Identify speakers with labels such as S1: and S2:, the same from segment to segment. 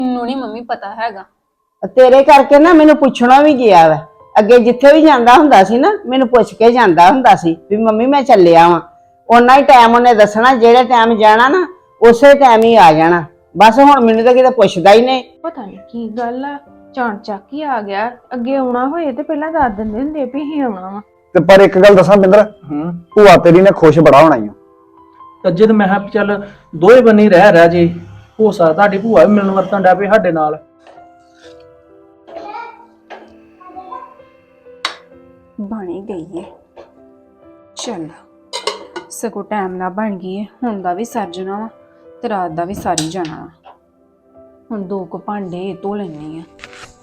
S1: ਮੈਨੂੰ ਨਹੀਂ ਮੰਮੀ ਪਤਾ ਹੈਗਾ।
S2: ਤੇਰੇ ਕਰਕੇ ਨਾ ਮੈਨੂੰ ਪੁੱਛਣਾ ਵੀ ਗਿਆ ਵਾ। ਅੱਗੇ ਜਿੱਥੇ ਵੀ ਜਾਂਦਾ ਹੁੰਦਾ ਸੀ ਨਾ ਮੈਨੂੰ ਪੁੱਛ ਕੇ ਜਾਂਦਾ ਹੁੰਦਾ ਸੀ ਵੀ ਮੰਮੀ ਮੈਂ ਚੱਲਿਆ ਵਾਂ। ਉਹਨਾਂ ਹੀ ਟਾਈਮ ਉਹਨੇ ਦੱਸਣਾ, ਜਿਹੜੇ ਟਾਈਮ ਜਾਣਾ ਨਾ ਉਸੇ ਟਾਈਮ ਹੀ ਆ ਜਾਣਾ। ਬਸ ਹੁਣ ਮੈਨੂੰ ਤਾਂ ਕਿਤੇ ਪੁੱਛਦਾ ਹੀ ਨਹੀਂ।
S1: ਪਤਾ ਨਹੀਂ ਕੀ ਗੱਲ ਆ, ਚਾਂਚਕ ਹੀ ਆ ਗਿਆ। ਅੱਗੇ ਆਉਣਾ ਹੋਏ ਤੇ ਪਹਿਲਾਂ ਦੱਸ ਦਿੰਦੇ ਹੁੰਦੇ ਵੀ ਹੀ ਆਉਣਾ ਵਾ।
S3: ਤੇ ਪਰ ਇੱਕ ਗੱਲ ਦੱਸਾਂ ਬਿੰਦਰ, ਭੂਆ ਤੇਰੀ ਨੇ ਖੁਸ਼ ਬੜਾ ਹੋਣਾ ਈ ਓ।
S4: ਅੱਜੇ ਤੇ ਮੈਂ ਕਿਹਾ ਚੱਲ ਦੋਵੇਂ ਬੰਨੇ ਰਹਿ ਜੇ, ਹੋ ਸਕਦਾ ਤੁਹਾਡੀ ਭੂਆ ਵੀ ਮਿਲਣ ਵਰਤਣ ਡਿਆ ਪਈ ਸਾਡੇ ਨਾਲ।
S1: ਬਣ ਹੀ ਗਈ ਏ, ਚੱਲ ਸਗੋਂ ਟਾਈਮ ਨਾਲ ਬਣ ਗਈ ਏ। ਹੁਣ ਦਾ ਵੀ ਸਰ ਜਾਣਾ ਵਾ ਤੇ ਰਾਤ ਦਾ ਵੀ ਸਾਰੀ ਜਾਣਾ ਵਾ। ਹੁਣ 2 ਕੁ ਭਾਂਡੇ ਧੋ ਲੈਣੀ ਆ।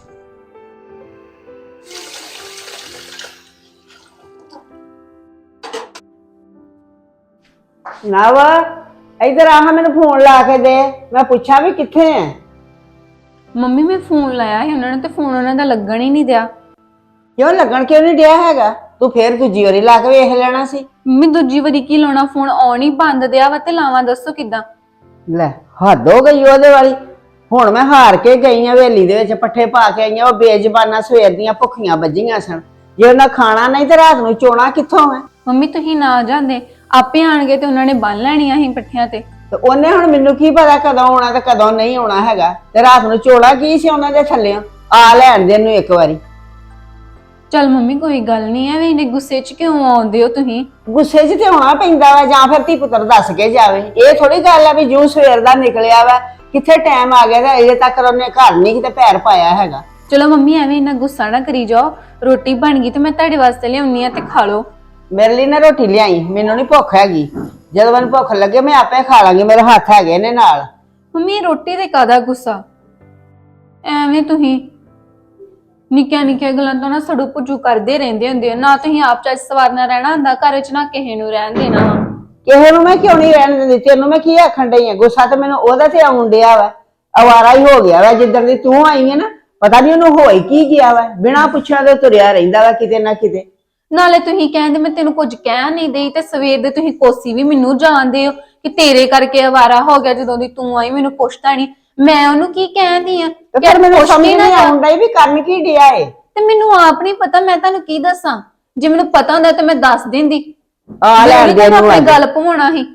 S2: ਨਾ ਵਾ ਇਧਰ ਆ, ਮੈਨੂੰ ਫੋਨ ਲਾ ਕੇ ਦੇ, ਮੈਂ ਪੁੱਛਾਂ ਵੀ ਕਿੱਥੇ ਐ।
S1: ਮੰਮੀ ਮੈਂ ਫੋਨ ਲਾਇਆ ਸੀ ਉਹਨਾਂ ਨੇ ਤੇ ਫੋਨ ਉਹਨਾਂ ਦਾ ਲੱਗਣ ਹੀ ਨਹੀਂ ਦਿਆ।
S2: ਕਿਉਂ ਲੱਗਣ ਕਿਉਂ ਨਹੀਂ ਡਿਆ ਹੈਗਾ? ਤੂੰ ਫੇਰ ਦੂਜੀ ਵਾਰੀ ਲਾ ਕੇ ਵੇਖ ਲੈਣਾ ਸੀ।
S1: ਮੰਮੀ ਦੂਜੀ ਵਾਰੀ ਕੀ ਲਾਉਣਾ, ਫੋਨ ਆਨ ਹੀ ਬੰਦ ਦਿਆ ਵਾ ਤੇ ਲਾਵਾਂ ਦੱਸੋ ਕਿੱਦਾਂ?
S2: ਲੈ ਹੱਦ ਹੋ ਗਈ ਉਹਦੇ ਵਾਲੀ। ਹੁਣ ਮੈਂ ਹਾਰ ਕੇ ਗਈ ਆ ਹਵੇਲੀ ਦੇ ਵਿੱਚ, ਪੱਠੇ ਪਾ ਕੇ ਆਈਆਂ। ਉਹ ਬੇਜ਼ਬਾਨਾਂ ਸਵੇਰ ਦੀਆਂ ਭੁੱਖੀਆਂ ਵੱਜੀਆਂ ਸਨ। ਜੇ ਉਹਨਾਂ ਖਾਣਾ ਨਹੀਂ ਤੇ ਰਾਤ ਨੂੰ ਚੋਣਾ ਕਿੱਥੋਂ ਹੈ?
S1: ਮੰਮੀ ਤੁਸੀਂ ਨਾ ਜਾਂਦੇ, ਆਪੇ ਆਣਗੇ ਤੇ ਉਹਨਾਂ ਨੇ ਬੰਨ ਲੈਣੀਆਂ ਸੀ ਪੱਠਿਆਂ ਤੇ
S2: ਉਹਨੇ ਹੁਣ ਮੈਨੂੰ ਕੀ ਪਤਾ ਕਦੋਂ ਆਉਣਾ ਤੇ ਕਦੋਂ ਨਹੀਂ ਆਉਣਾ ਹੈਗਾ। ਤੇ ਰਾਤ ਨੂੰ ਚੋਣਾ ਕੀ ਸੀ ਉਹਨਾਂ ਦੇ ਥੱਲਿਓਂ? ਆ ਲੈਣ ਦੇ ਨੂੰ ਇੱਕ ਵਾਰੀ।
S1: ਚੱਲ ਮੰਮੀ ਕੋਈ ਗੱਲ ਨਹੀਂ, ਐਵੇਂ ਇਹਨੇ ਗੁੱਸੇ 'ਚ ਕਿਉਂ ਆਉਂਦੇ ਹੋ ਤੁਸੀਂ?
S2: ਗੁੱਸੇ 'ਚ ਤੇ ਆਉਣਾ ਪੈਂਦਾ ਵਾ, ਜਾਂ ਫਿਰ ਧੀ ਪੁੱਤਰ ਦੱਸ ਕੇ ਜਾਵੇ। ਇਹ ਥੋੜੀ ਗੱਲ ਆ ਵੀ ਜੂ ਸਵੇਰ ਦਾ ਨਿਕਲਿਆ ਵਾ, ਕਿੱਥੇ ਟਾਈਮ ਆ ਗਿਆ ਤੇ ਅਜੇ ਤੱਕ ਉਹਨੇ ਘਰ ਨਹੀਂ ਕਿਤੇ ਪੈਰ ਪਾਇਆ ਹੈਗਾ।
S1: ਚਲੋ ਮੰਮੀ ਐਵੇਂ ਇੰਨਾ ਗੁੱਸਾ ਨਾ ਕਰੀ ਜਾਓ। ਰੋਟੀ ਬਣ ਗਈ ਤੇ ਮੈਂ ਤੁਹਾਡੇ ਵਾਸਤੇ ਲਿਆਉਣੀ ਆ ਤੇ ਖਾ ਲਓ।
S2: ਮੇਰੇ ਲਈ ਨਾ ਰੋਟੀ ਲਿਆਈ, ਮੈਨੂੰ ਨਹੀਂ ਭੁੱਖ ਹੈਗੀ। ਜਦੋਂ ਮੈਨੂੰ ਭੁੱਖ ਲੱਗੇ ਮੈਂ ਆਪੇ ਖਾ ਲਾਂਗੀ, ਮੇਰੇ ਹੱਥ ਹੈਗੇ ਨੇ ਨਾਲ।
S1: ਮੰਮੀ ਰੋਟੀ ਤੇ ਕਾਹਦਾ ਗੁੱਸਾ? ਐਵੇਂ ਤੁਸੀਂ ਨਿੱਕੀਆਂ ਨਿੱਕੀਆਂ ਗੱਲਾਂ ਤੋਂ ਨਾ ਸੜੂ ਪੁੱਜੂ ਕਰਦੇ ਰਹਿੰਦੇ ਹੁੰਦੇ ਹੋ। ਨਾ ਤੁਸੀਂ ਆਪ ਚੱਜ ਸਵਾਰਨਾ ਰਹਿਣਾ ਹੁੰਦਾ ਘਰ 'ਚ, ਨਾ ਕਿਸੇ ਨੂੰ ਰਹਿਣ ਦੇਣਾ ਵਾ।
S2: ਕਿਸੇ ਨੂੰ ਮੈਂ ਕਿਉਂ ਨਹੀਂ ਰਹਿਣ ਦਿੰਦੀ? ਤੈਨੂੰ ਮੈਂ ਕੀ ਆਖਣ ਡਈ ਆ? ਗੁੱਸਾ ਤੇ ਮੈਨੂੰ ਉਹਦਾ ਤੇ ਆਉਣ ਡਿਆ ਵਾ। ਅਵਾਰਾ ਹੀ ਹੋ ਗਿਆ ਵਾ ਜਿੱਦਣ ਦੀ ਤੂੰ ਆਈ ਹੈ ਨਾ। ਪਤਾ ਨਹੀਂ ਉਹਨੂੰ ਹੋਈ ਕੀ ਗਿਆ ਵਾ, ਬਿਨਾਂ ਪੁੱਛਿਆ ਤੇ ਤੁਰਿਆ ਰਹਿੰਦਾ ਵਾ ਕਿਤੇ ਨਾ ਕਿਤੇ।
S1: ਨਾਲੇ ਤੁਸੀਂ ਕਹਿੰਦੇ ਮੈਂ ਤੈਨੂੰ ਕੁਝ ਕਹਿ ਨਹੀਂ ਦੇਈ ਤੇ ਸਵੇਰ ਦੇ ਤੁਸੀਂ ਕੋਸੀ ਵੀ ਮੈਨੂੰ ਜਾਣਦੇ ਹੋ ਕਿ ਤੇਰੇ ਕਰਕੇ ਅਵਾਰਾ ਹੋ ਗਿਆ। ਜਦੋਂ ਦੀ ਤੂੰ ਆਈ ਮੈਨੂੰ ਪੁੱਛਦਾ ਨਹੀਂ, ਮੈਂ ਉਹਨੂੰ ਕੀ ਕਹਿੰਦੀ ਆ?
S2: ਪਰ ਮੈਨੂੰ ਸਮਝ ਨਹੀਂ ਆਉਂਦਾ ਵੀ ਕਰਨ ਕੀ ਡਿਆ ਏ।
S1: ਤੇ ਮੈਨੂੰ ਆਪ ਨਹੀਂ ਪਤਾ, ਮੈਂ ਤੁਹਾਨੂੰ ਕੀ ਦੱਸਾਂ? ਜੇ ਮੈਨੂੰ ਪਤਾ ਹੁੰਦਾ ਤੇ ਮੈਂ ਦੱਸ ਦਿੰਦੀ।
S2: ਆ ਲੈਣ ਦੇ ਨੂੰ
S1: ਆਪਣੀ ਗੱਲ ਭਵਾਉਣਾ ਸੀ।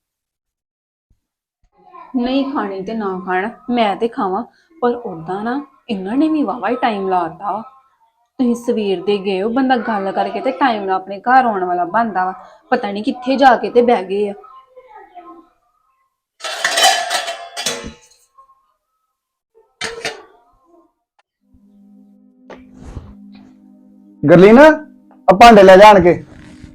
S1: ਨਹੀਂ ਖਾਣੀ ਤੇ ਨਾ ਖਾਣ, ਮੈਂ ਤੇ ਖਾਵਾਂ। ਪਰ ਉਦਾਂ ਨਾ ਇਹਨਾਂ ਨੇ ਵੀ ਵਾਵਾ ਹੀ ਟਾਈਮ ਲਾਤਾ ਵਾ। ਤੁਸੀਂ ਸਵੇਰ ਦੇ ਗਏ ਹੋ, ਬੰਦਾ ਗੱਲ ਕਰਕੇ ਤੇ ਟਾਈਮ ਨਾਲ ਆਪਣੇ ਘਰ ਆਉਣ ਵਾਲਾ ਬਣਦਾ ਵਾ। ਪਤਾ ਨਹੀਂ ਕਿੱਥੇ ਜਾ ਕੇ ਤੇ ਬਹਿ ਗਏ ਆ।
S3: ਗਰਲੀਨ ਆ ਭਾਂਡੇ ਲੈ ਜਾਣ ਕੇ।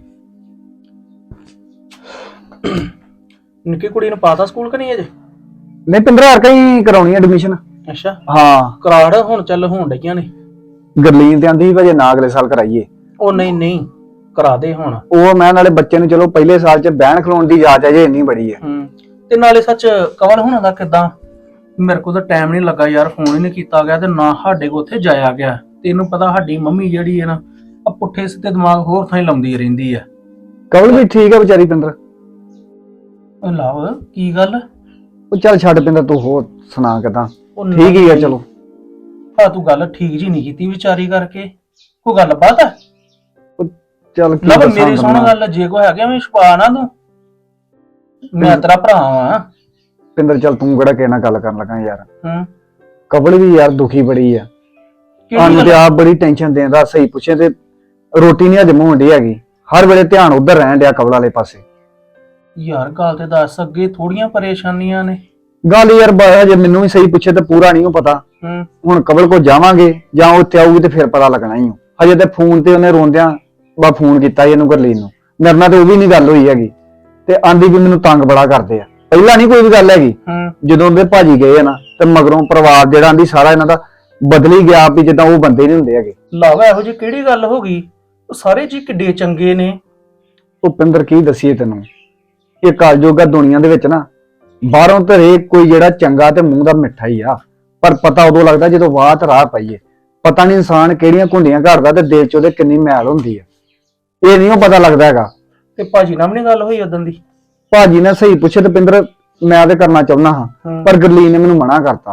S4: ਨਿੱਕੀ ਕੁੜੀ ਨੂੰ ਪਾਤਾ ਸਕੂਲ ਕਿ ਨਹੀਂ ਅਜੇ?
S3: ਨਹੀਂ 15,000 ਕਹੀਂ ਕਰਾਉਣੀ ਐਡਮਿਸ਼ਨ।
S4: ਅੱਛਾ
S3: ਹਾਂ
S4: ਕਰਾੜ ਹੁਣ ਚੱਲ ਹੋਣ ਡਈਆਂ ਨੇ।
S3: ਗਰਲੀਨ ਤੇ ਆਂਦੀ ਭਾਜੇ ਨਾ ਅਗਲੇ ਸਾਲ ਕਰਾਈਏ।
S4: ਉਹ ਨਹੀਂ ਕਰਾ ਦੇ ਹੁਣ।
S3: ਉਹ ਮੈਂ ਨਾਲੇ ਬੱਚੇ ਨੂੰ ਚਲੋ ਪਹਿਲੇ ਸਾਲ ਚ ਬਹਿਣ ਖਲੋਣ ਦੀ ਜਾਂਚ ਅਜੇ ਇੰਨੀ ਬੜੀ ਹੈ।
S4: ਤੇ ਨਾਲੇ ਸੱਚ ਕਵਲ ਹੋਣਾ ਦਾ ਕਿੱਦਾਂ? ਮੇਰੇ ਕੋਲ ਤਾਂ ਟਾਈਮ ਨਹੀਂ ਲੱਗਾ ਯਾਰ, ਫੋਨ ਹੀ ਨਹੀਂ ਕੀਤਾ ਗਿਆ ਤੇ ਨਾ ਸਾਡੇ ਕੋਲ ਉੱਥੇ ਜਾਇਆ ਗਿਆ। ਤੈਨੂੰ ਪਤਾ ਸਾਡੀ ਮੰਮੀ ਜਿਹੜੀ ਹੈ ਨਾ ਆ ਪੁੱਠੇ ਸਿੱਧੇ ਦਿਮਾਗ ਹੋਰ ਥਾਂ ਲਾਉਂਦੀ ਰਹਿੰਦੀ ਆ।
S3: ਕਵਲ ਵੀ ਠੀਕ ਹੈ ਵਿਚਾਰੀ ਪਿੰਦਰ।
S4: ਲਵ ਕੀ ਗੱਲ?
S3: ਉਹ ਚੱਲ ਛੱਡ ਪਿੰਦਰ, ਤੂੰ ਹੋਰ ਸੁਣਾ ਕਿਦਾਂ? ਠੀਕ ਹੀ ਆ ਚਲੋ।
S4: ਹਾਂ ਤੂੰ ਗੱਲ ਠੀਕ ਜੀ ਨਹੀਂ ਕੀਤੀ ਵਿਚਾਰੀ ਕਰਕੇ। ਕੋਈ ਗੱਲ ਬਾਤ ਹੈ?
S3: ਚੱਲ
S4: ਲਵ ਮੇਰੀ ਸੁਣ ਗੱਲ, ਜੇ ਕੋਈ ਹੈਗਾ ਮੈਂ ਛੁਪਾ ਨਾ ਤੂੰ, ਮੈਂ ਤੇਰਾ ਭਰਾ ਵਾਂ।
S3: ਪਿੰਦਰ ਚੱਲ ਤੂੰ ਕਿਹੜਾ ਕਿਸੇ ਨਾਲ ਗੱਲ ਕਰਨ ਲੱਗਾ ਯਾਰ। ਕਵਲ ਵੀ ਯਾਰ ਦੁਖੀ ਬੜੀ ਆ। ਸਾਨੂੰ ਤੇ ਆਪ ਬੜੀ ਟੈਨਸ਼ਨ ਦੇਂਦਾ। ਸਹੀ ਪੁੱਛੇ ਤੇ ਰੋਟੀ ਨਹੀਂ ਹਜਮ ਹੋਣ ਡਈ ਹੈਗੀ। ਹਰ ਵੇਲੇ ਧਿਆਨ ਉਧਰ ਰਹਿਣ ਡਿਆ ਕਵਲ ਵਾਲੇ ਪਾਸੇ।
S4: ਯਾਰ ਗੱਲ ਤੇ ਦੱਸ, ਅੱਗੇ ਥੋੜੀਆਂ ਪਰੇਸ਼ਾਨੀਆਂ ਨੇ।
S3: ਗੱਲ ਯਾਰ ਬਾਇਆ ਜੇ ਮੈਨੂੰ ਵੀ ਸਹੀ ਪੁੱਛੇ ਤੇ ਪੂਰਾ ਨਹੀਂ ਪਤਾ। ਹੁਣ ਕਵਲ ਕੋ ਜਾਵਾਂਗੇ ਜਾਂ ਉੱਥੇ ਆਊਗੀ ਤੇ ਫਿਰ ਪਤਾ ਲੱਗਣਾ ਹੀ। ਹਜੇ ਤੇ ਫੋਨ ਤੇ ਉਹਨੇ ਰੋਂਦਿਆਂ ਬਾ ਫੋਨ ਕੀਤਾ ਇਹਨੂੰ ਗਰਲੀਨ ਨੂੰ। ਮੇਰੇ ਨਾਲ ਤੇ ਉਹ ਵੀ ਨਹੀਂ ਗੱਲ ਹੋਈ ਹੈਗੀ ਤੇ ਆਂਦੀ ਵੀ ਮੈਨੂੰ ਤੰਗ ਬੜਾ ਕਰਦੇ ਆ। ਪਹਿਲਾਂ ਨਹੀਂ ਕੋਈ ਵੀ ਗੱਲ ਹੈਗੀ, ਜਦੋਂ ਦੇ ਭਾਜੀ ਗਏ ਆ ਨਾ ਤੇ ਮਗਰੋਂ ਪਰਿਵਾਰ ਜਿਹੜਾ ਆਂਦੀ ਸਾਰਾ ਇਹਨਾਂ ਦਾ ਬਦਲੀ ਗਿਆ ਵੀ ਜਿੱਦਾਂ ਉਹ ਬੰਦੇ ਨਹੀਂ ਹੁੰਦੇ ਹੈਗੇ।
S4: ਲਾਵਾ ਇਹੋ ਜਿਹੀ ਕਿਹੜੀ ਗੱਲ ਹੋ ਗਈ? ਉਹ ਸਾਰੇ ਜੀ ਕਿੱਡੇ ਚੰਗੇ ਨੇ।
S3: ਭੁਪਿੰਦਰ ਕੀ ਦਸੀਏ ਤੈਨੂੰ, ਇਹ ਕਲਯੁਗ ਆ ਦੁਨੀਆ ਦੇ ਵਿੱਚ ਨਾ। ਬਾਹਰੋਂ ਤੇ ਹਰੇਕ ਕੋਈ ਜਿਹੜਾ ਚੰਗਾ ਤੇ ਮੂੰਹ ਦਾ ਮਿੱਠਾ ਹੀ ਆ, ਪਰ ਪਤਾ ਉਦੋਂ ਲੱਗਦਾ ਜਦੋਂ ਵਾਹ ਰਾਹ ਪਈਏ। ਪਤਾ ਨਹੀਂ ਇਨਸਾਨ ਕਿਹੜੀਆਂ ਘੁੰਡੀਆਂ ਘੜਦਾ ਤੇ ਦਿਲ ਚ ਉਹਦੇ ਕਿੰਨੀ ਮੈਲ ਹੁੰਦੀ ਆ, ਇਹ ਨਹੀਂ ਉਹ ਪਤਾ ਲੱਗਦਾ ਹੈਗਾ।
S4: ਤੇ ਭਾਜੀ ਨਾਲ ਵੀ ਗੱਲ ਹੋਈ ਉਦੋਂ ਦੀ?
S3: ਭਾਜੀ ਨੇ ਸਹੀ ਪੁੱਛੇ ਤੇ ਪਿੰਦਰ ਮੈਂ ਤੇ ਕਰਨਾ ਚਾਹੁੰਦਾ ਹਾਂ, ਪਰ ਗਰਲੀਨ ਨੇ ਮੈਨੂੰ ਮਨਾ ਕਰਤਾ।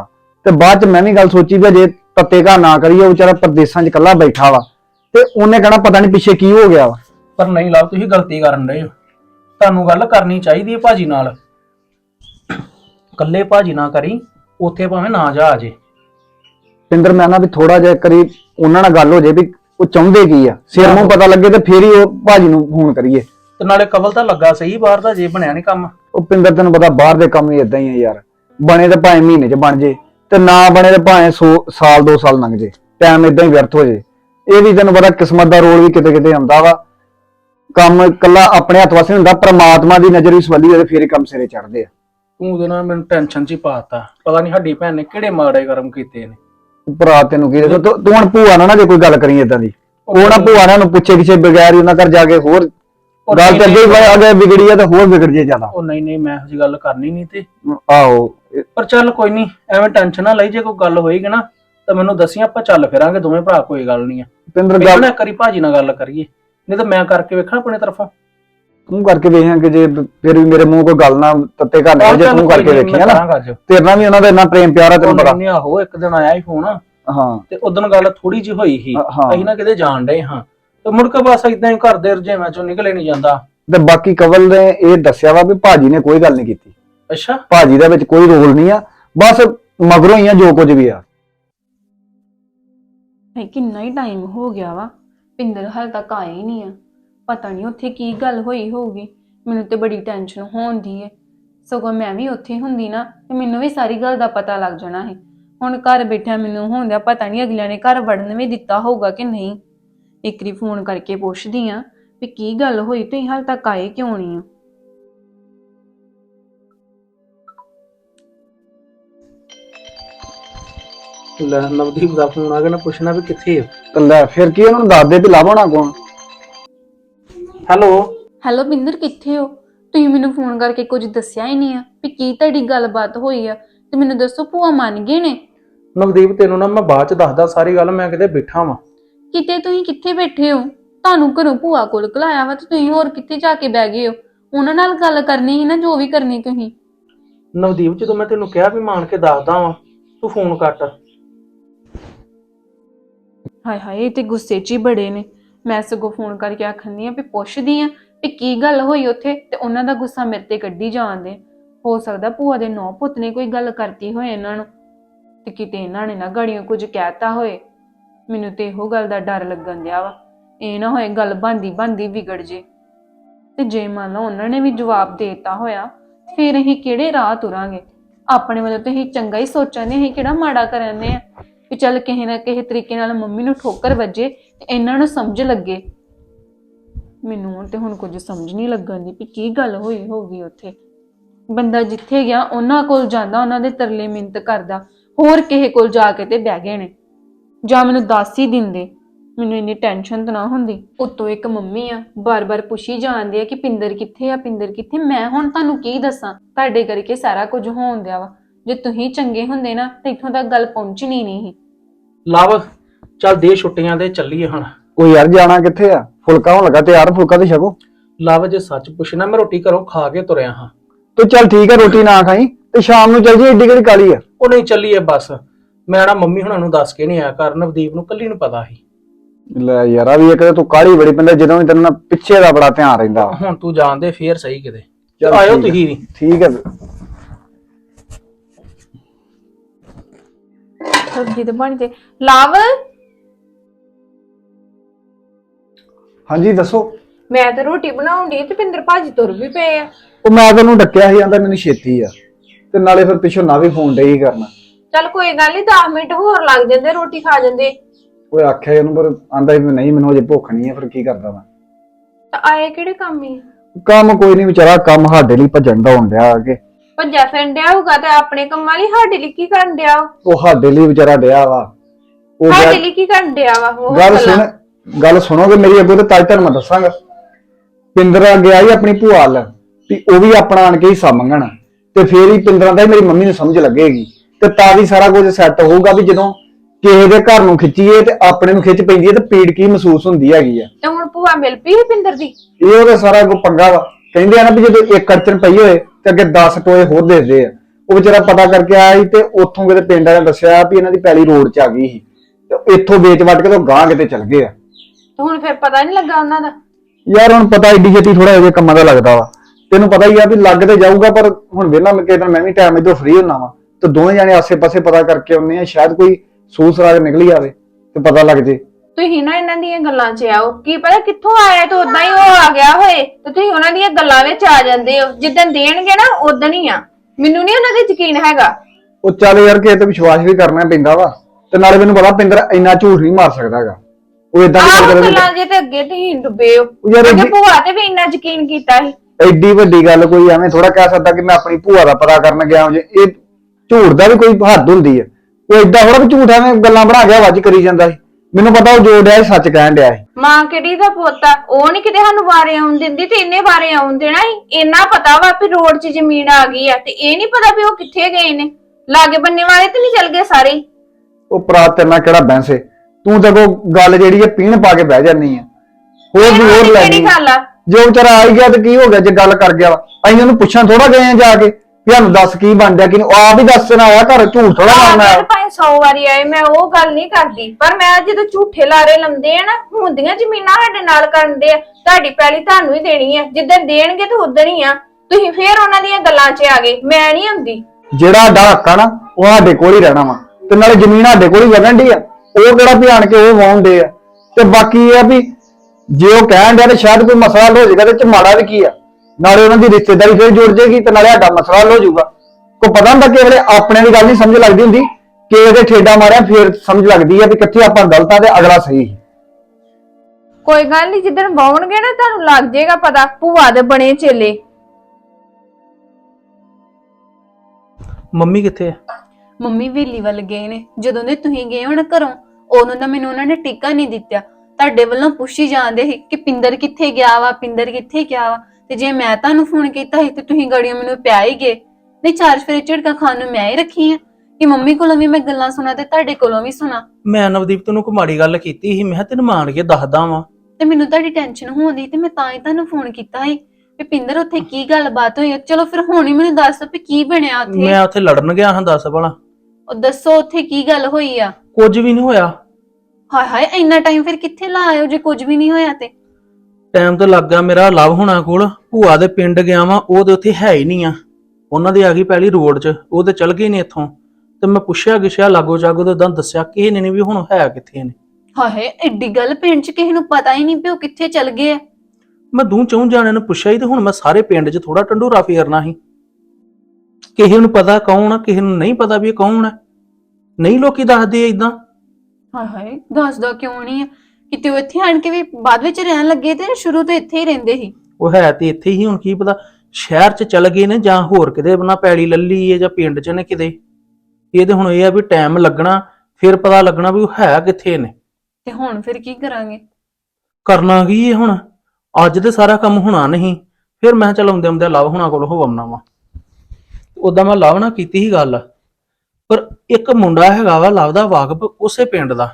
S3: ਤੇ ਬਾਅਦ ਚ ਮੈਂ ਵੀ ਗੱਲ ਸੋਚੀ ਵੀ ਜੇ ਤੱਤੇ ਘਾ ਨਾ ਕਰੀਏ, ਉਹ ਵਿਚਾਰਾ ਪ੍ਰਦੇਸਾਂ 'ਚ ਇਕੱਲਾ ਬੈਠਾ ਵਾ ਤੇ ਉਹਨੇ ਕਹਿਣਾ ਪਤਾ ਨਹੀਂ ਪਿੱਛੇ ਕੀ ਹੋ ਗਿਆ ਵਾ।
S4: ਪਰ ਨਹੀਂ ਲਵ, ਤੁਸੀਂ ਗਲਤੀ ਕਰਨ ਰਹੇ ਹੋ। ਤੁਹਾਨੂੰ ਗੱਲ ਕਰਨੀ ਚਾਹੀਦੀ ਹੈ ਭਾਜੀ ਨਾਲ। ਇਕੱਲੇ ਭਾਜੀ ਨਾ ਕਰੀ, ਉੱਥੇ ਭਾਵੇਂ ਨਾ ਜਾ ਅਜੇ।
S3: ਪਿੰਦਰ ਮੈਂ ਨਾ ਵੀ ਥੋੜਾ ਜਿਹਾ ਕਰੀ ਉਹਨਾਂ ਨਾਲ ਗੱਲ ਹੋ ਜੇ ਵੀ ਉਹ ਚਾਹੁੰਦੇ ਕੀ ਆ, ਸਿਰ ਨੂੰ ਪਤਾ ਲੱਗੇ ਤੇ ਫੇਰ ਹੀ ਉਹ ਭਾਜੀ ਨੂੰ ਫੋਨ ਕਰੀਏ।
S4: ਤੇ ਨਾਲੇ ਕਵਲ ਤਾਂ ਲੱਗਾ ਸਹੀ ਬਾਹਰ ਦਾ, ਜੇ ਬਣਿਆ ਨਹੀਂ ਕੰਮ।
S3: ਉਹ ਪਿੰਦਰ ਤੈਨੂੰ ਪਤਾ ਬਾਹਰ ਦੇ ਕੰਮ ਹੀ ਇਦਾਂ ਹੀ ਆ ਯਾਰ, ਬਣੇ ਤੇ ਭਾਵੇਂ ਮਹੀਨੇ 'ਚ ਬਣ ਜੇ ਤੇ ਨਾ ਬਣੇ ਤੇ ਭਾਵੇਂ ਸਾਲ 2 ਸਾਲ ਲੰਘ ਜੇ, ਟਾਈਮ ਇਦਾਂ ਹੀ ਵਿਅਰਥ ਹੋ ਜੇ। ਇਹ ਵੀ ਤੈਨੂੰ ਪਤਾ ਕਿਸਮਤ ਦਾ ਰੋਲ ਵੀ ਕਿਤੇ ਕਿਤੇ ਆਉਂਦਾ ਵਾ। ਕੰਮ ਇਕੱਲਾ ਆਪਣੇ ਹੱਥ ਵਾਸਤੇ ਹੁੰਦਾ, ਪ੍ਰਮਾਤਮਾ ਦੀ ਨਜ਼ਰ ਵੀ ਸਵੱਲੀ ਹੋਵੇ ਫੇਰ ਹੀ ਕੰਮ ਸਿਰੇ ਚੜ੍ਹਦੇ ਆ।
S4: ਤੂੰ ਉਹਦੇ ਨਾਲ ਮੈਨੂੰ ਟੈਨਸ਼ਨ 'ਚ ਹੀ ਪਾਤਾ। ਪਤਾ ਨਹੀਂ ਸਾਡੀ ਭੈਣ ਨੇ ਕਿਹੜੇ ਮਾੜੇ ਕਰਮ ਕੀਤੇ ਨੇ।
S3: ਭਰਾ ਤੈਨੂੰ ਕੀ ਦੱਸਾਂ, ਤੂੰ ਹੁਣ ਭੂਆ ਨਾਲ ਨਾ ਜੇ ਕੋਈ ਗੱਲ ਕਰੀ ਏਦਾਂ ਦੀ, ਉਹ ਨਾ ਭੂਆ ਨਾਲ ਨੂੰ ਪੁੱਛੇ ਕਿਸੇ ਬਗੈਰ ਹੀ ਉਹਨਾਂ ਘਰ ਜਾ ਕੇ ਹੋਰ ਗੱਲ ਤੇ ਅੱਗੇ ਵਿਗੜੀ ਆ ਤਾਂ ਹੋਰ ਵਿਗੜ ਜੇ ਜ਼ਿਆਦਾ।
S4: ਉਹ ਨਹੀਂ ਮੈਂ ਇਹੋ ਜਿਹੀ ਗੱਲ ਕਰਨੀ ਨਹੀਂ ਤੇ।
S3: ਆਹੋ
S4: ਪਰ ਚੱਲ ਕੋਈ ਨਹੀਂ, ਐਵੇਂ ਟੈਨਸ਼ਨ ਨਾ ਲਈ। ਜੇ ਕੋਈ ਗੱਲ ਹੋਏਗੀ ਨਾ ਤਾਂ ਮੈਨੂੰ ਦੱਸੀ, ਆਪਾਂ ਚੱਲ ਫਿਰਾਂਗੇ ਦੋਵੇਂ ਭਰਾ, ਕੋਈ ਗੱਲ ਨਹੀਂ ਆ।
S3: ਪਿੰਦਰ
S4: ਪਹਿਲਾਂ
S3: ਗੱਲ
S4: ਇੱਕ ਵਾਰੀ ਭਾਜੀ ਨਾਲ ਗੱਲ ਕਰੀਏ, ਨਹੀਂ ਤਾਂ ਮੈਂ ਕਰਕੇ ਵੇਖਾਂ ਆਪਣੇ ਤਰਫੋਂ।
S3: ਤੂੰ ਕਰਕੇ ਵੇਖਾਂਗੇ, ਜੇ ਫਿਰ ਵੀ ਮੇਰੇ ਮੂੰਹ ਕੋਈ ਗੱਲ ਨਾ ਤੱਤੇ ਘਰ ਨਿਕਲ ਜੇ ਤੂੰ ਕਰਕੇ ਵੇਖੀਆਂ ਨਾ, ਤੇਰੇ ਨਾਲ ਵੀ ਉਹਨਾਂ ਦਾ ਇੰਨਾ ਪ੍ਰੇਮ ਪਿਆਰ ਆ ਤੈਨੂੰ ਪਤਾ।
S4: ਨਹੀਂ ਆਹੋ, ਇੱਕ ਦਿਨ ਆਇਆ ਹੀ ਫੋਨ,
S3: ਹਾਂ
S4: ਤੇ ਉਦੋਂ ਗੱਲ ਥੋੜੀ ਜਿਹੀ ਹੋਈ ਸੀ। ਅਸੀਂ ਨਾ ਕਿਤੇ ਜਾਣ ਡਏ ਹਾਂ, ਤੇ ਮੁੜ ਕੇ ਬਸ ਇਦਾਂ ਹੀ ਘਰ ਦੇ ਰੁਝੇਵਾਂ ਚੋਂ ਨਿਕਲੇ ਨਹੀਂ ਜਾਂਦਾ।
S3: ਤੇ ਬਾਕੀ ਕਵਲ ਨੇ ਇਹ ਦੱਸਿਆ ਵਾ ਵੀ ਭਾਜੀ ਨੇ ਕੋਈ ਗੱਲ ਨਹੀਂ ਕੀਤੀ।
S4: ਅੱਛਾ,
S3: ਭਾਜੀ ਦਾ ਵਿੱਚ ਕੋਈ ਰੋਲ ਨਹੀਂ ਆ, ਬਸ ਮਗਰੋਂ ਹੀ ਆ ਜੋ ਕੁਝ ਵੀ ਆ।
S1: ਕਿੰਨਾ ਹੀ ਟਾਈਮ ਹੋ ਗਿਆ ਵਾ, ਪਿੰਦਰ ਹਾਲੇ ਤੱਕ ਆਇਆ ਹੀ ਨਹੀਂ ਆ। ਪਤਾ ਨਹੀਂ ਉੱਥੇ ਕੀ ਗੱਲ ਹੋਈ ਹੋਊਗੀ। ਮੈਨੂੰ ਤੇ ਬੜੀ ਟੈਨਸ਼ਨ ਹੋਣਦੀ ਏ। ਸਗੋਂ ਮੈਂ ਵੀ ਉੱਥੇ ਹੁੰਦੀ ਨਾ ਤੇ ਮੈਨੂੰ ਵੀ ਸਾਰੀ ਗੱਲ ਦਾ ਪਤਾ ਲੱਗ ਜਾਣਾ ਸੀ। ਹੁਣ ਘਰ ਬੈਠਿਆ ਮੈਨੂੰ ਹੁੰਦਿਆ ਪਤਾ ਨਹੀਂ ਅਗਲਿਆਂ ਨੇ ਘਰ ਵੜਨ ਵੀ ਦਿੱਤਾ ਹੋਊਗਾ ਕਿ ਨਹੀਂ। ਇੱਕ ਵਾਰੀ ਫੋਨ ਕਰਕੇ ਪੁੱਛਦੀ ਆ ਵੀ ਕੀ ਗੱਲ ਹੋਈ, ਤੁਸੀਂ ਹਾਲੇ ਤੱਕ ਆਏ ਕਿਉਂ ਨਹੀਂ ਆ।
S4: ਲੈ ਨਵਦੀਪ ਦਾ ਫੋਨ ਆ ਗਿਆ ਨਾ, ਪੁੱਛਣਾ ਵੀ ਕਿੱਥੇ ਆ।
S3: ਤੇ ਲੈ ਫਿਰ ਕੀ ਉਹਨਾਂ ਨੂੰ ਦੱਸ ਦੇ ਵੀ ਲਾਵਣਾ ਕੌਣ।
S4: ਹੈਲੋ
S1: ਹੈਲੋ ਪਿੰਦਰ, ਕਿੱਥੇ ਹੋ ਤੁਸੀਂ? ਮੈਨੂੰ ਫੋਨ ਕਰਕੇ ਕੁਝ ਦੱਸਿਆ ਹੀ ਨਹੀਂ ਆ ਵੀ ਕੀ ਤੁਹਾਡੀ ਗੱਲਬਾਤ ਹੋਈ ਆ। ਤੇ ਮੈਨੂੰ ਦੱਸੋ, ਭੂਆ ਮੰਨ ਗਏ ਨੇ?
S4: ਨਵਦੀਪ ਤੈਨੂੰ ਨਾ ਮੈਂ ਬਾਅਦ ਚ ਦੱਸਦਾ ਸਾਰੀ ਗੱਲ। ਮੈਂ ਕਿਤੇ ਬੈਠਾ ਵਾਂ।
S1: ਕਿਤੇ ਤੁਸੀਂ ਕਿੱਥੇ ਬੈਠੇ ਹੋ? ਤੁਹਾਨੂੰ ਘਰੋਂ ਭੂਆ ਕੋਲ ਘਲਾਇਆ ਵਾ ਤੇ ਤੁਸੀਂ ਹੋਰ ਕਿੱਥੇ ਜਾ ਕੇ ਬਹਿ ਗਏ ਹੋ? ਉਹਨਾਂ ਨਾਲ ਗੱਲ ਕਰਨੀ ਸੀ ਨਾ, ਜੋ ਵੀ ਕਰਨੀ ਤੁਸੀਂ।
S4: ਨਵਦੀਪ ਜਦੋਂ ਮੈਂ ਤੈਨੂੰ ਕਿਹਾ ਵੀ ਮਾਨ ਕੇ ਦੱਸਦਾ ਵਾਂ, ਤੂੰ ਫੋਨ ਕੱਟ।
S1: ਹਾਏ ਹਾਏ, ਇਹ ਤੇ ਗੁੱਸੇ 'ਚ ਹੀ ਬੜੇ ਨੇ। ਮੈਂ ਸਗੋਂ ਫੋਨ ਕਰਕੇ ਆਖਣੀ ਆ ਵੀ ਪੁੱਛਦੀ ਆ ਵੀ ਕੀ ਗੱਲ ਹੋਈ ਉੱਥੇ, ਤੇ ਉਹਨਾਂ ਦਾ ਗੁੱਸਾ ਮੇਰੇ ਤੇ ਕੱਢੀ ਜਾਂਦੇ। ਹੋ ਸਕਦਾ ਭੂਆ ਦੇ ਨੌ ਪੁੱਤ ਨੇ ਕੋਈ ਗੱਲ ਕਰਤੀ ਹੋਏ ਇਹਨਾਂ ਨੂੰ, ਤੇ ਕਿਤੇ ਇਹਨਾਂ ਨੇ ਨਾ ਗਾੜੀਆਂ ਕੁਝ ਕਹਿਤਾ ਹੋਏ। ਮੈਨੂੰ ਤੇ ਇਹੋ ਗੱਲ ਦਾ ਡਰ ਲੱਗਣ ਦਿਆ ਵਾ, ਇਹ ਨਾ ਹੋਏ ਗੱਲ ਬਣਦੀ ਵਿਗੜ ਜੇ। ਤੇ ਜੇ ਮੰਨ ਲਓ ਉਹਨਾਂ ਨੇ ਵੀ ਜਵਾਬ ਦੇਤਾ ਹੋਇਆ, ਫਿਰ ਅਸੀਂ ਕਿਹੜੇ ਰਾਹ ਤੁਰਾਂਗੇ? ਆਪਣੇ ਵੱਲੋਂ ਤੇ ਅਸੀਂ ਚੰਗਾ ਹੀ ਸੋਚਾਂਦੇ, ਅਸੀਂ ਕਿਹੜਾ ਮਾੜਾ ਕਰਨੇ ਆ ਵੀ ਚੱਲ ਕਿਸੇ ਨਾ ਕਿਸੇ ਤਰੀਕੇ ਨਾਲ ਮੰਮੀ ਨੂੰ ਠੋਕਰ ਵੱਜੇ ਤੇ ਇਹਨਾਂ ਨੂੰ ਸਮਝ ਲੱਗੇ। ਮੈਨੂੰ ਤੇ ਹੁਣ ਕੁਝ ਸਮਝ ਨਹੀਂ ਲੱਗਣ ਦੀ ਵੀ ਕੀ ਗੱਲ ਹੋਈ ਹੋਊਗੀ ਉੱਥੇ। ਬੰਦਾ ਜਿੱਥੇ ਗਿਆ ਉਹਨਾਂ ਕੋਲ ਜਾਂਦਾ, ਉਹਨਾਂ ਦੇ ਤਰਲੇ ਮਿੰਨਤ ਕਰਦਾ, ਹੋਰ ਕਿਸੇ ਕੋਲ ਜਾ ਕੇ ਤੇ ਬਹਿ ਗਏ ਨੇ। ਜਾਂ ਮੈਨੂੰ ਦੱਸ ਹੀ ਦਿੰਦੇ, ਮੈਨੂੰ ਇੰਨੀ ਟੈਨਸ਼ਨ ਤਾਂ ਨਾ ਹੁੰਦੀ। ਉੱਤੋਂ ਇੱਕ ਮੰਮੀ ਆ, ਬਾਰ-ਬਾਰ ਪੁੱਛੀ ਜਾਂਦੇ ਆ ਕਿ ਪਿੰਦਰ ਕਿੱਥੇ ਆ, ਪਿੰਦਰ ਕਿੱਥੇ। ਮੈਂ ਹੁਣ ਤੁਹਾਨੂੰ ਕੀ ਦੱਸਾਂ, ਤੁਹਾਡੇ ਕਰਕੇ ਸਾਰਾ ਕੁਝ ਹੋਣ ਦਿਆ ਵਾ। ਜੇ ਤੁਸੀਂ ਚੰਗੇ ਹੁੰਦੇ ਨਾ ਤੇ ਇੱਥੋਂ ਤੱਕ ਗੱਲ ਪਹੁੰਚਣੀ ਨਹੀਂ ਸੀ।
S4: ਲਵ ਚੱਲ ਦੇ ਛੁੱਟੀਆਂ ਤੇ ਚੱਲੀਏ ਹੁਣ।
S3: ਕੋਈ ਯਾਰ ਜਾਣਾ ਕਿੱਥੇ ਆ? ਫੁਲਕਾ ਹੋਣ ਲੱਗਾ ਤਿਆਰ, ਫੁਲਕਾ ਤੇ ਛਕੋ।
S4: ਲਵ ਜੇ ਸੱਚ ਪੁੱਛਣਾ, ਮੈਂ ਰੋਟੀ ਘਰੋਂ ਖਾ ਕੇ ਤੁਰਿਆ ਹਾਂ।
S3: ਤੂੰ ਚੱਲ ਠੀਕ ਆ, ਰੋਟੀ ਨਾ ਖਾਈ ਤੇ ਸ਼ਾਮ ਨੂੰ ਚੱਲ ਜੀ, ਏਡੀ ਕਿਹੜੀ ਕਾਲੀ ਆ।
S4: ਉਹ ਨਹੀਂ ਚੱਲੀਏ ਬਸ। ਮੈਂ ਨਾ ਮੰਮੀ ਹੁਣਾਂ ਨੂੰ ਦੱਸ ਕੇ ਨਹੀਂ ਆਇਆ ਘਰ, ਨਵਦੀਪ ਨੂੰ ਕੱਲੀ ਨੂੰ ਪਤਾ ਸੀ।
S3: ਲੈ ਯਾਰ ਆ ਵੀ ਇੱਕ ਤੂੰ ਕਾਲੀ ਬੜੀ ਪੈਂਦਾ, ਜਦੋਂ ਵੀ ਤੈਨੂੰ ਨਾ ਪਿੱਛੇ ਦਾ ਬੜਾ ਧਿਆਨ ਰਹਿੰਦਾ।
S4: ਹੁਣ ਤੂੰ ਜਾਣਦੇ ਫੇਰ ਸਹੀ ਕਿਤੇ।
S3: ਚੱਲ
S4: ਆਇਓ
S3: ਠੀਕ ਆ।
S4: ਤੁਸੀਂ ਵੀ।
S3: ਠੀਕ ਹੈ
S1: ਸਬਜ਼ੀ ਤੇ ਬਣ ਜੇ। ਲਾਵ,
S3: ਹਾਂਜੀ ਦੱਸੋ।
S5: ਮੈਂ ਤਾਂ ਰੋਟੀ ਬਣਾਉਂਦੀ ਤੇ ਪਿੰਦਰ ਭਾਜੀ ਤੁਰ ਵੀ ਪਏ ਆ।
S3: ਉਹ ਮੈਂ ਤੈਨੂੰ ਡੱਕਿਆ ਸੀ, ਆਂਦਾ ਮੈਨੂੰ ਛੇਤੀ ਆ, ਤੇ ਨਾਲੇ ਫਿਰ ਪਿੱਛੋਂ ਨਾ ਵੀ ਫੋਨ ਡਈ ਕਰਨਾ।
S5: ਚੱਲ ਕੋਈ ਗੱਲ ਨਹੀਂ, 10 ਮਿੰਟ ਹੋਰ ਲੱਗ ਜਾਂਦੇ, ਰੋਟੀ ਖਾ ਜਾਂਦੇ।
S3: ਓਏ ਆਖਿਆ ਇਹਨੂੰ, ਪਰ ਆਂਦਾ ਵੀ ਨਹੀਂ ਮੈਨੂੰ ਅਜੇ ਭੁੱਖ ਨਹੀਂ ਆ। ਫਿਰ ਕੀ ਕਰਦਾ ਮੈਂ?
S5: ਤਾਂ ਆਏ ਕਿਹੜੇ ਕੰਮ ਹੀ?
S3: ਕੰਮ ਕੋਈ ਨਹੀਂ ਵਿਚਾਰਾ, ਕੰਮ ਸਾਡੇ ਲਈ ਭੱਜਣ ਦਾ ਹੋਣ ਡਿਆ ਅੱਗੇ।
S5: ਭੱਜਾ ਫਿਰਨ ਡਿਆ ਹੋਊਗਾ ਤੇ ਆਪਣੇ ਕੰਮਾਂ ਲਈ ਸਾਡੇ ਲਈ ਕੀ ਕਰਨ ਡਿਆ ਵਾ?
S3: ਉਹ ਸਾਡੇ ਲਈ ਵਿਚਾਰਾ ਡਿਆ ਵਾ। ਉਹ
S5: ਸਾਡੇ ਲਈ ਕੀ ਕਰਨ ਡਿਆ ਵਾ? ਉਹ
S3: ਗੱਲ ਸੁਣੋਗੇ ਮੇਰੀ ਅੱਗੋਂ, ਤੇ ਤੱਜ ਤੁਹਾਨੂੰ ਮੈਂ ਦੱਸਾਂਗਾ। ਪਿੰਦਰਾ ਗਿਆ ਹੀ ਆਪਣੀ ਭੂਆ ਵੱਲ ਵੀ ਉਹ ਵੀ ਆਪਣਾ ਆਣ ਕੇ ਹਿੱਸਾ ਮੰਗਣ, ਤੇ ਫੇਰ ਹੀ ਪਿੰਦਰਾ ਦਾ ਮੇਰੀ ਮੰਮੀ ਨੂੰ ਸਮਝ ਲੱਗੇਗੀ, ਤੇ ਤਾਂ ਵੀ ਸਾਰਾ ਕੁਝ ਸੈੱਟ ਹੋਊਗਾ। ਵੀ ਜਦੋਂ ਕਿਸੇ ਦੇ ਘਰ ਨੂੰ ਖਿੱਚੀਏ ਤੇ ਆਪਣੇ ਨੂੰ ਖਿੱਚ ਪੈਂਦੀ ਹੈ, ਤੇ ਪੀੜ ਕੀ ਮਹਿਸੂਸ ਹੁੰਦੀ ਹੈਗੀ ਆ।
S5: ਤੇ ਹੁਣ ਭੂਆ ਮਿਲ ਪਈ ਪਿੰਦਰ ਦੀ?
S3: ਇਹ ਉਹਦਾ ਸਾਰਾ ਕੋ ਪੰਗਾ ਵਾ। ਕਹਿੰਦੇ ਆ ਨਾ ਵੀ ਜਦੋਂ ਇੱਕ ਅੜਚਨ ਪਈ ਹੋਏ ਤੇ ਅੱਗੇ 10 ਟੋਏ ਹੋਰ ਦੇਦੇ ਆ। ਉਹ ਵਿਚਾਰਾ ਪਤਾ ਕਰਕੇ ਆਇਆ ਸੀ ਤੇ ਉੱਥੋਂ ਕਿਤੇ ਪਿੰਡ ਵਾਲਿਆਂ ਨੇ ਦੱਸਿਆ ਵੀ ਇਹਨਾਂ ਦੀ ਪੈਲੀ ਰੋਡ 'ਚ ਆ ਗਈ ਸੀ ਤੇ ਇੱਥੋਂ ਵੇਚ ਵੱਟ ਕੇ ਤੇ ਉਹ ਗਾਂਹ ਕਿਤੇ ਚਲ ਗਏ ਆ।
S5: ਤੇ ਹੁਣ ਫਿਰ ਪਤਾ ਨਹੀਂ ਲੱਗਾ ਉਹਨਾਂ ਦਾ।
S3: ਯਾਰ ਹੁਣ ਪਤਾ ਏਡੀ ਛੇਤੀ ਥੋੜਾ ਇਹਦੇ ਕੰਮਾਂ ਦਾ ਲੱਗਦਾ ਵਾ, ਤੈਨੂੰ ਪਤਾ ਹੀ ਆ ਵੀ ਲੱਗ ਤੇ ਜਾਊਗਾ, ਪਰ ਹੁਣ ਵੇਲਾ ਮੈਂ ਕਿਸੇ ਦਿਨ ਮੈਂ ਵੀ ਟਾਈਮ ਇਦੋਂ ਫ੍ਰੀ ਹੁੰਨਾ ਵਾ ਤੇ ਦੋਵੇਂ ਜਾਣੇ ਆਸੇ-ਪਾਸੇ ਪਤਾ ਕਰਕੇ ਆਉਂਦੇ ਆ, ਸ਼ਾਇਦ ਕੋਈ ਸੂਸ ਰਾਗ ਨਿਕਲ ਆਵੇ ਤੇ ਪਤਾ ਲੱਗ ਜੇ।
S5: ਤੁਸੀਂ ਨਾ ਇਹਨਾਂ ਦੀਆਂ ਗੱਲਾਂ 'ਚ ਆਓ, ਕੀ ਪਤਾ ਕਿੱਥੋਂ ਆਇਆ ਤੇ ਉਦਾਂ ਹੀ ਉਹ ਆ ਗਿਆ ਹੋਏ ਤੇ ਤੁਸੀਂ ਉਹਨਾਂ ਦੀਆਂ ਗੱਲਾਂ ਵਿੱਚ ਆ ਜਾਂਦੇ ਹੋ। ਜਿੱਦਣ ਦੇਣਗੇ ਨਾ ਉਦਣ ਹੀ ਆ। ਮੈਨੂੰ ਨਹੀਂ ਉਹਨਾਂ ਤੇ ਯਕੀਨ ਹੈਗਾ।
S3: ਉਹ ਚੱਲ ਯਾਰ ਕਿਸੇ ਤੇ ਵਿਸ਼ਵਾਸ ਵੀ ਕਰਨਾ ਪੈਂਦਾ ਵਾ, ਤੇ ਨਾਲੇ ਮੈਨੂੰ ਪਤਾ ਪਿੰਦਰ ਇੰਨਾ ਝੂਠ ਨਹੀਂ ਮਾਰ ਸਕਦਾ ਹੈਗਾ। ਉਹ ਇਦਾਂ ਦੀ ਗੱਲ
S5: ਗੱਲਾਂ
S3: ਕਰੇ
S5: ਜੇ ਤੇ ਅੱਗੇ ਤੁਸੀਂ ਡੁੱਬੇ ਹੋ।
S3: ਯਾਰ
S5: ਜੇ ਭੂਆ ਤੇ ਵੀ ਇੰਨਾ ਯਕੀਨ ਕੀਤਾ ਸੀ।
S3: ਐਡੀ ਵੱਡੀ ਗੱਲ ਕੋਈ ਐਵੇਂ ਥੋੜਾ ਕਹਿ ਸਕਦਾ ਕਿ ਮੈਂ ਆਪਣੀ ਭੂਆ ਦਾ ਪਤਾ ਕਰਨ ਗਿਆ ਜੇ। ਇਹ ਝੂਠ ਦਾ ਵੀ ਕੋਈ ਹੱਦ ਹੁੰਦੀ ਹੈ। ਉਹ ਏਦਾਂ ਥੋੜਾ ਵੀ ਝੂਠ ਐਵੇਂ ਗੱਲਾਂ ਬਣਾ ਕੇ ਵੱਜ ਕਰੀ ਜਾਂਦਾ ਸੀ। ਮੈਨੂੰ ਪਤਾ ਉਹ ਜੋ ਡਿਆ ਸੱਚ ਕਹਿਣ ਡਿਆ ਸੀ।
S5: ਮਾਂ ਕਿਹੜੀ ਦਾ ਪੋਤਾ, ਉਹ ਨਹੀਂ ਕਿਤੇ ਸਾਨੂੰ ਵਾਰੇ ਆਉਣ ਦਿੰਦੀ ਤੇ ਇਹਨੇ ਵਾਰੇ ਆਉਣ ਦੇਣਾ ਸੀ। ਇੰਨਾ ਪਤਾ ਵਾ ਵੀ ਰੋਡ 'ਚ ਜ਼ਮੀਨ ਆ ਗਈ ਆ ਤੇ ਇਹ ਨਹੀਂ ਪਤਾ ਵੀ ਉਹ ਕਿੱਥੇ ਗਏ ਨੇ। ਲਾਗੇ ਬੰਨੇ ਵਾਲੇ ਤੇ ਨਹੀਂ ਚਲ ਗਏ ਸਾਰੇ ਹੀ।
S3: ਉਹ ਭਰਾ ਤੇਰੇ ਨਾਲ ਕਿਹੜਾ ਬੈਂਸੇ, ਤੂੰ ਤਾਂ ਕੋ ਗੱਲ ਜਿਹੜੀ ਹੈ ਪੀਣ ਪਾ ਕੇ ਬਹਿ ਜਾਨੀ ਆ, ਹੋਰ ਵੀ ਹੋਰ ਲੈ
S5: ਕਿਹੜੀ ਗੱਲ ਆ?
S3: ਜੋ ਵਿਚਾਰਾ ਆ ਹੀ ਗਿਆ ਤੇ ਕੀ ਹੋ ਗਿਆ ਜੇ ਗੱਲ ਕਰ ਗਿਆ ਵਾ। ਅਸੀਂ ਉਹਨੂੰ ਪੁੱਛਣ ਥੋੜਾ ਗਏ ਆ ਜਾ ਕੇ ਵੀ ਸਾਨੂੰ ਦੱਸ ਕੀ ਬਣ ਗਿਆ, ਕਿ ਆਪ ਹੀ ਦੱਸਣ ਆਇਆ, ਘਰ ਝੂਠ ਥੋੜਾ ਮਾਰਨਾ ਆਇਆ।
S5: ਭਾਵੇਂ 100 ਵਾਰੀ ਆਏ, ਮੈਂ ਉਹ ਗੱਲ ਨਹੀਂ ਕਰਦੀ, ਪਰ ਮੈਂ ਜਦੋਂ ਝੂਠੇ ਲਾਰੇ ਲਾਉਂਦੇ ਆ ਨਾ, ਹੁੰਦੀਆਂ ਜ਼ਮੀਨਾਂ ਸਾਡੇ ਨਾਲ ਕਰਦੇ ਆ। ਤੁਹਾਡੀ ਪਹਿਲੀ ਤੁਹਾਨੂੰ ਹੀ ਦੇਣੀ ਆ, ਜਿੱਦਣ ਦੇਣਗੇ ਤੇ ਉਦੋਂ ਹੀ ਆ। ਤੁਸੀਂ ਫੇਰ ਉਹਨਾਂ ਦੀਆਂ ਗੱਲਾਂ 'ਚ ਆ ਗਏ, ਮੈਂ ਨਹੀਂ ਆਉਂਦੀ।
S3: ਜਿਹੜਾ ਸਾਡਾ ਹੱਕ ਆ ਨਾ ਉਹ ਸਾਡੇ ਕੋਲ ਹੀ ਰਹਿਣਾ ਵਾ, ਤੇ ਨਾਲੇ ਜ਼ਮੀਨ ਸਾਡੇ ਕੋਲ ਹੀ ਵਗਣ ਡਈ ਆ। ਉਹ ਕਿਹੜਾ ਵੀ ਆਣ ਕੇ ਉਹ ਵਾਉਂਦੇ ਆ। ਤੇ ਬਾਕੀ ਇਹ ਆ ਵੀ ਜੇ ਉਹ ਕਹਿਣ ਡਿਆ ਤੇ ਸ਼ਾਇਦ ਕੋਈ ਮਸਲਾ ਹੱਲ ਹੋ ਜਾਏਗਾ, ਤੇ ਚ ਮਾੜਾ ਵੀ ਕੀ ਆ, ਨਾਲੇ ਉਹਨਾਂ ਦੀ ਰਿਸ਼ਤੇਦਾਰੀ ਫਿਰ ਜੁੜ ਜਾਏਗੀ ਤੇ ਨਾਲੇ ਸਾਡਾ ਮਸਲਾ ਹੱਲ ਹੋ ਜਾਊਗਾ। ਕੋਈ ਪਤਾ ਹੁੰਦਾ ਕਿ ਵੇਲੇ ਆਪਣੇ ਦੀ ਗੱਲ ਨਹੀਂ ਸਮਝ ਲੱਗਦੀ ਹੁੰਦੀ, ਕਿ ਇਹਦੇ ਠੇਡਾ ਮਾਰਿਆ ਫਿਰ ਸਮਝ ਲੱਗਦੀ ਆ ਵੀ ਕਿੱਥੇ ਆਪਾਂ ਗਲਤ ਆ ਤੇ ਅਗਲਾ ਸਹੀ।
S5: ਕੋਈ ਗੱਲ ਨਹੀਂ, ਜਿੱਦਣ ਵਾਉਣਗੇ ਨਾ ਤੁਹਾਨੂੰ ਲੱਗ ਜਾਏਗਾ ਪਤਾ। ਭੂਆ ਦੇ ਬਣੇ ਚੇਲੇ।
S4: ਮੰਮੀ ਕਿੱਥੇ ਆ?
S1: ਮੰਮੀ ਵੇਲੀ ਵੱਲ ਗਏ ਨੇ। ਜਦੋਂ ਦੇ ਤੁਸੀਂ ਗਏ ਹੋ ਨਾ ਘਰੋਂ, ਉਦੋਂ ਦਾ ਮੈਨੂੰ ਉਹਨਾਂ ਨੇ ਟਿਕਾ ਨਹੀਂ ਦਿੱਤਾ। ਤੁਹਾਡੇ ਵੱਲੋਂ ਪੁੱਛੀ ਜਾਂਦੇ ਸੀ ਕਿ ਪਿੰਦਰ ਕਿੱਥੇ ਗਿਆ ਵਾ, ਪਿੰਦਰ ਕਿੱਥੇ ਗਿਆ ਵਾ। ਤੇ ਜੇ ਮੈਂ ਤੁਹਾਨੂੰ ਫੋਨ ਕੀਤਾ ਸੀ ਤੇ ਤੁਸੀਂ ਗੜੀਆਂ ਮੈਨੂੰ ਪਿਆ ਹੀ ਗਏ। ਨਹੀਂ, ਚਾਰ ਫੇਰੇ ਝਿੜਕਾਂ ਖਾਣ ਨੂੰ ਮੈਂ ਹੀ ਰੱਖੀ ਆ ਕਿ ਮੰਮੀ ਕੋਲੋਂ ਵੀ ਮੈਂ ਗੱਲਾਂ ਸੁਣਾ ਤੇ ਤੁਹਾਡੇ ਕੋਲੋਂ ਵੀ ਸੁਣਾ।
S4: ਮੈਂ ਨਵਦੀਪ ਤੈਨੂੰ ਕੋਈ ਮਾੜੀ ਗੱਲ ਕੀਤੀ ਸੀ, ਮੈਂ ਕਿਹਾ ਤੈਨੂੰ ਮਾਰ ਕੇ ਦੱਸਦਾ ਵਾਂ।
S1: ਤੇ ਮੈਨੂੰ ਤੁਹਾਡੀ ਟੈਨਸ਼ਨ ਹੋਣੀ ਤੇ ਮੈਂ ਤਾਂ ਹੀ ਤੁਹਾਨੂੰ ਫੋਨ ਕੀਤਾ ਸੀ ਵੀ ਪਿੰਦਰ ਉੱਥੇ ਕੀ ਗੱਲਬਾਤ ਹੋਈ। ਚਲੋ ਫਿਰ ਹੁਣ ਹੀ ਮੈਨੂੰ ਦੱਸ ਵੀ ਕੀ ਬਣਿਆ ਉੱਥੇ।
S4: ਮੈਂ ਉੱਥੇ ਲੜਨ ਗਿਆ ਹਾਂ, ਦੱਸ ਭਲਾ।
S1: ਉਹ ਦੱਸੋ ਉੱਥੇ ਕੀ ਗੱਲ ਹੋਈ ਆ।
S4: ਕੁਝ ਵੀ ਨਹੀਂ ਹੋਇਆ।
S1: ਹਾਏ ਹਾਏ, ਇੰਨਾ ਟਾਈਮ ਫਿਰ ਕਿੱਥੇ ਲਾ ਆਇਓ ਜੇ ਕੁਝ ਵੀ ਨਹੀਂ ਹੋਇਆ ਤੇ।
S4: ਟਾਈਮ ਤਾਂ ਲੱਗ ਗਿਆ ਮੇਰਾ ਲਵ ਹੋਣਾ ਕੋਲ। ਭੂਆ ਦੇ ਪਿੰਡ ਗਿਆ ਵਾਂ, ਉਹ ਤੇ ਉੱਥੇ ਹੈ ਹੀ ਨਹੀਂ ਆ। ਉਹਨਾਂ ਦੀ ਆ ਗਈ ਪਹਿਲੀ ਰੋਡ 'ਚ, ਉਹ ਤੇ ਚਲ ਗਏ ਨੇ ਇੱਥੋਂ। ਤੇ ਮੈਂ ਪੁੱਛਿਆ ਗਿਸ਼ਿਆ ਲਾਗੋ ਜਾਗੋ ਤੇ ਉਦਾਂ ਦੱਸਿਆ ਕਿਸੇ ਨੇ ਨਹੀਂ ਵੀ ਹੁਣ ਹੈ ਕਿੱਥੇ ਨੇ।
S1: ਹਾਏ, ਐਡੀ ਗੱਲ ਪਿੰਡ 'ਚ ਕਿਸੇ ਨੂੰ ਪਤਾ ਹੀ ਨਹੀਂ ਵੀ ਉਹ ਕਿੱਥੇ ਚਲ ਗਏ ਆ।
S4: ਮੈਂ ਦੂੰ ਚੌਂ ਜਾਣਿਆਂ ਨੂੰ ਪੁੱਛਿਆ ਹੀ ਤੇ ਹੁਣ ਮੈਂ ਸਾਰੇ ਪਿੰਡ 'ਚ ਥੋੜਾ ਟੰਡੂਰਾ ਫੇਰਨਾ ਸੀ। ਕਿਸੇ ਨੂੰ ਪਤਾ ਕੌਣ ਆ, ਕਿਸੇ ਨੂੰ ਨਹੀਂ ਪਤਾ ਵੀ ਇਹ ਕੌਣ ਆ। ਨਹੀਂ ਲੋਕੀ ਦੱਸਦੇ ਏਦਾਂ।
S1: ਹਾਏ ਹਾਏ, ਦੱਸਦਾ ਕਿਉਂ ਨਹੀਂ ਆ? ਕਿਤੇ ਉਹ ਇੱਥੇ ਆਣ ਕੇ ਵੀ ਬਾਅਦ ਵਿੱਚ ਰਹਿਣ ਲੱਗੇ ਤੇ ਸ਼ੁਰੂ ਤੋਂ ਇੱਥੇ ਹੀ ਰਹਿੰਦੇ ਸੀ।
S4: ਉਹ ਹੈ ਤੇ ਇੱਥੇ ਹੀ, ਹੁਣ ਕੀ ਪਤਾ ਸ਼ਹਿਰ 'ਚ ਚਲ ਗਏ ਨੇ ਜਾਂ ਹੋਰ ਕਿਤੇ ਬਣਾ ਪੈਲੀ ਲੱਲੀ ਹੈ ਜਾਂ ਪਿੰਡ 'ਚ ਨੇ ਕਿਤੇ। ਇਹ ਤੇ ਹੁਣ ਇਹ ਆ ਵੀ ਟਾਈਮ ਲੱਗਣਾ, ਫਿਰ ਪਤਾ ਲੱਗਣਾ ਵੀ ਉਹ ਹੈ ਕਿੱਥੇ ਨੇ।
S1: ਤੇ ਹੁਣ ਫਿਰ ਕੀ ਕਰਾਂਗੇ?
S4: ਕਰਨਾ ਕੀ ਹੈ ਹੁਣ? ਅੱਜ ਤੇ ਸਾਰਾ ਕੰਮ ਹੋਣਾ ਨਹੀਂ। ਫਿਰ ਮੈਂ ਚੱਲ ਆਉਂਦੇ ਆਉਂਦੇ ਲਵ ਹੋਣਾ ਕੋਲ ਹੋਵਮਣਾ ਵਾ। ਉਦਾਂ ਮੈਂ ਲਵ ਨਾਲ ਕੀਤੀ ਸੀ ਗੱਲ, ਪਰ ਇੱਕ ਮੁੰਡਾ ਹੈਗਾ ਵਾ ਲਵ ਦਾ ਵਾਕਬ, ਉਸੇ ਪਿੰਡ ਦਾ।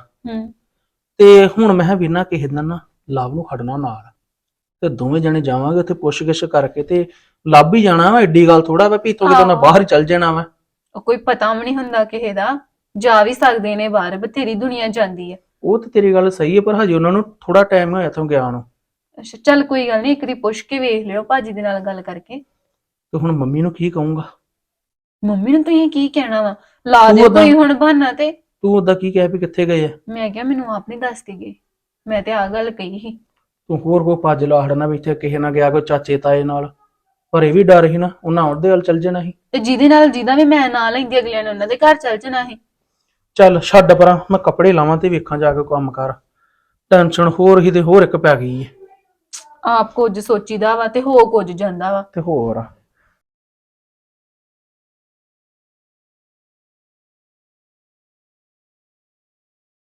S4: ਤੇ ਹੁਣ ਮੈਂ ਵੀ ਨਾ ਕਿਸੇ ਦਿਨ ਨਾ ਲਵ ਨੂੰ ਖੜਨਾ ਨਾਲ, ਤੇ ਦੋਵੇਂ ਜਣੇ ਜਾਵਾਂਗੇ ਉੱਥੇ ਪੁੱਛ-ਗਿੱਛ ਕਰਕੇ ਤੇ ਲੱਭ ਹੀ ਜਾਣਾ ਵਾ। ਐਡੀ ਗੱਲ ਥੋੜਾ ਵਾ ਵੀ ਥੋੜੀ ਤੋਂ ਬਾਹਰ ਹੀ ਚੱਲ ਜਾਣਾ ਵਾ।
S1: ਉਹ ਕੋਈ ਪਤਾ ਵੀ ਨਹੀਂ ਹੁੰਦਾ ਕਿਸੇ ਦਾ, ਜਾ ਵੀ ਸਕਦੇ ਨੇ ਬਾਹਰ, ਬਥੇਰੀ ਦੁਨੀਆ ਜਾਂਦੀ ਹੈ।
S4: ਉਹ ਤੇ ਤੇਰੀ ਗੱਲ ਸਹੀ ਹੈ, ਪਰ ਹਜੇ ਉਹਨਾਂ ਨੂੰ ਥੋੜਾ ਟਾਈਮ ਹੋਇਆ ਤੋਂ ਗਿਆ ਨੂੰ।
S1: ਅੱਛਾ ਚੱਲ ਕੋਈ ਗੱਲ ਨਹੀਂ, ਇੱਕ ਵਾਰੀ ਪੁੱਛ ਕੇ ਵੇਖ ਲਿਓ ਭਾਜੀ ਦੇ ਨਾਲ ਗੱਲ ਕਰਕੇ।
S4: ਤੇ ਹੁਣ ਮੰਮੀ ਨੂੰ ਕੀ ਕਹੂੰਗਾ?
S1: ਮੰਮੀ ਨੂੰ ਤੁਸੀਂ ਕੀ ਕਹਿਣਾ ਵਾ? ਲਾ ਦਿਓ ਕੋਈ ਹੁਣ ਬਹਾਨਾ। ਤੇ
S4: ਤੂੰ ਉਦਾਂ ਕੀ ਕਹਿ ਵੀ ਕਿੱਥੇ ਗਏ ਆ?
S1: ਮੈਂ ਕਿਹਾ ਮੈਨੂੰ ਆਪ ਨਹੀਂ ਦੱਸਦੀ ਗਏ, ਮੈਂ ਤੇ ਆ ਗੱਲ ਕਹੀ ਸੀ।
S4: ਤੂੰ ਹੋਰ ਕੋਈ ਭੱਜ ਲਾੜਨਾ ਵੀ ਇੱਥੇ ਕਿਸੇ ਨਾਲ ਗਿਆ, ਕੋਈ ਚਾਚੇ ਤਾਏ ਨਾਲ। ਪਰ ਇਹ ਵੀ ਡਰ ਸੀ ਨਾ, ਉਹਨਾਂ ਉਹਦੇ ਵੱਲ ਚੱਲ ਜਾਣਾ ਸੀ।
S1: ਤੇ ਜਿਹਦੇ ਨਾਲ ਜਿਹਦਾ ਵੀ ਮੈਂ ਨਾਲ ਲੈਂਦੀ, ਅਗਲਿਆਂ ਨੇ ਉਹਨਾਂ ਦੇ ਘਰ ਚੱਲ ਜਾਣਾ ਸੀ।
S4: ਚੱਲ ਛੱਡ ਪਰਾਂ, ਮੈਂ ਕੱਪੜੇ ਲਾਵਾਂ ਤੇ ਵੇਖਾਂ ਜਾ ਕੇ ਕੰਮ ਕਰ। ਟੈਨਸ਼ਨ ਹੋਰ ਹੀ ਤੇ ਹੋਰ ਇੱਕ ਪੈ ਗਈ ਹੈ।
S1: ਆਪ ਕੁਝ ਸੋਚੀਦਾ ਵਾ ਤੇ ਹੋ ਕੁਝ ਜਾਂਦਾ ਵਾ।
S4: ਤੇ ਹੋਰ